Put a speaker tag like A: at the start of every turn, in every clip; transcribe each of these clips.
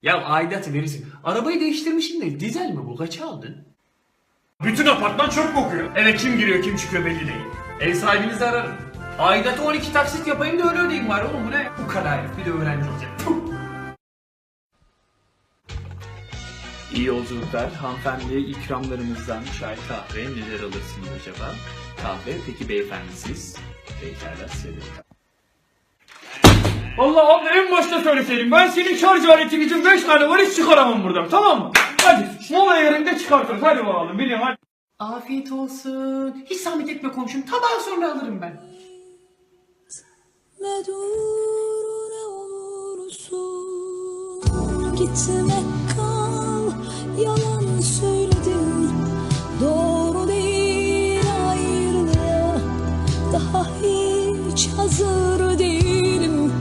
A: Ya aidatı verirsin. Arabayı değiştirmişsin de dizel mi bu? Kaça aldın?
B: Bütün apartman çöp kokuyor.
A: Eve kim giriyor kim çıkıyor belli değil. Ev sahibinizi ararım. Aidatı 12 taksit yapayım da öyle ödeyeyim var oğlum bu ne? Bu kadar herif bir de öğrenci olacak. Puh. İyi yolculuklar. Hanımefendiye ikramlarımızdan çay, kahve neler alırsınız acaba? Kahve, peki beyefendi siz? Pekala size de.
B: Allah abi en başta söyleseydim. Ben senin şarj aletin için 5 tane var hiç çıkaramam buradan, tamam mı? Hadi mola yerinde çıkartırız, hadi bakalım biliyorum hadi.
A: Afiyet olsun. Hiç zahmet etme komşum. Tabağı sonra alırım ben.
C: Ne dur ne olursun gitme kal, yalan söyledin, doğru değil ayrılığa, daha hiç hazır değilim.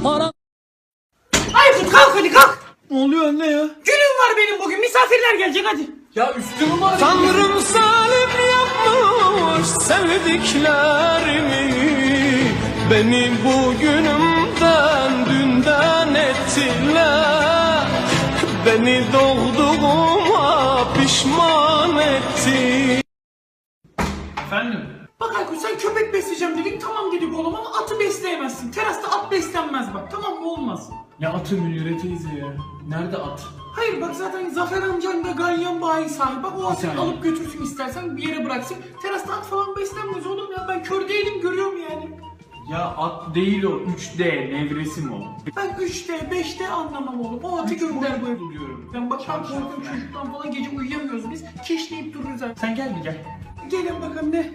A: Aykut kalk hadi kalk.
B: Ne oluyor anne ya?
A: Günüm var benim bugün. Misafirler gelecek hadi. Ya üstümü mü arayayım?
B: Tanrım salim yapmış sevdiklerimi, beni bugünümden dünden ettiler, beni doğduğuma pişman etti. Efendim?
A: Bak Aykut sen köpek besleyeceğim dedin. Tamam dedik oğlum ama atı besleyemezsin. Terasta at beslenmez bak. Tamam mı olmaz.
B: Ne atı Münire teyze ya? Nerede at?
A: Hayır bak zaten Zafer amcan da ganyan bayi sahibi. Bak o atı
B: Yani.
A: alıp götürsün istersen bir yere bıraksın. Terasta at falan beslenmez oğlum ya. Ben kör değilim görüyorum yani.
B: Ya at değil o, 3D nevresim o.
A: Ben 3D 5D anlamam oğlum. O atı gönder bu eve diyorum. Ben bak ben korkuyorum çocuktan falan gece uyuyamıyoruz biz. Kişneyip dururuz ha.
B: Sen gel bir gel.
A: Gelin bakalım ne?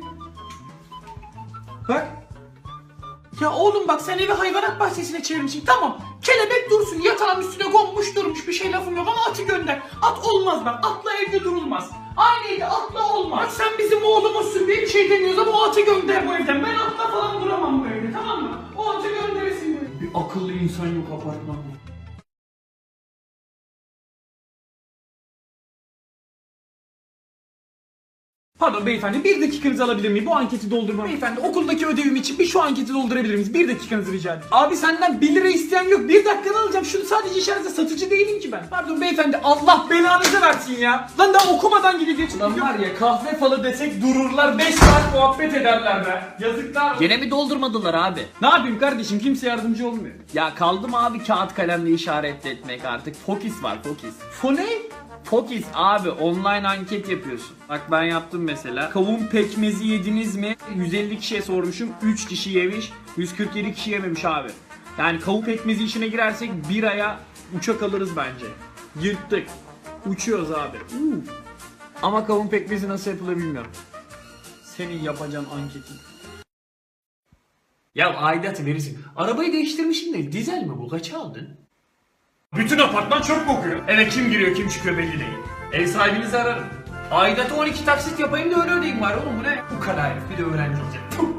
A: Bak. Ya oğlum bak sen evi hayvanat bahçesine çevirmişsin tamam. Kelebek dursun yatağın üstüne konmuş durmuş bir şey lafım yok ama atı gönder. At olmaz bak atla evde durulmaz. Aynı evde atla olmaz. Bak sen bizim oğlumuzsun diye bir şey demiyoruz ama o atı gönder bu evden. Ben atla falan duramam bu evde tamam mı? O atı gönderesin bu evden.
B: Bir akıllı insan yok apartmanda.
A: Pardon beyefendi bir dakikanızı alabilir miyim? Bu anketi doldurmam. Beyefendi okuldaki ödevim için bir şu anketi doldurabilir miyiz? Bir dakikanızı rica ederim. Abi senden 1 lira isteyen yok. Bir dakikanı alacağım. Şunu sadece işarete satıcı değilim ki ben. Pardon beyefendi Allah belanızı versin ya. Lan daha okumadan gidecek.
B: Lan var ya kahve falı desek dururlar 5 saat muhabbet ederler be. Yazıklar.
A: Gene mi doldurmadılar abi?
B: Ne yapayım kardeşim, kimse yardımcı olmuyor.
A: Ya kaldı mı abi kağıt kalemle işaret etmek artık. Fokis var Fokis.
B: Fone?
A: Fokis abi online anket yapıyorsun. Bak ben yaptım mesela. Kavun pekmezi yediniz mi? 150 kişiye sormuşum. 3 kişi yemiş. 147 kişi yememiş abi. Yani kavun pekmezi işine girersek bir aya uçak alırız bence. Yırttık. Uçuyoruz abi. Ama kavun pekmezi nasıl yapılır bilmiyorum.
B: Senin yapacağın anketin.
A: Ya aidatı verirsin. Arabayı değiştirmişsin de dizel mi bu? Kaça aldın?
B: Bütün apartman çöp kokuyor.
A: Eve kim giriyor kim çıkıyor belli değil. Ev sahibinizi ararım. Aidatı 12 taksit yapayım da öyle ödeyeyim var oğlum bu ne? Bu kadar herif bir de öğrenci olacak. Puh.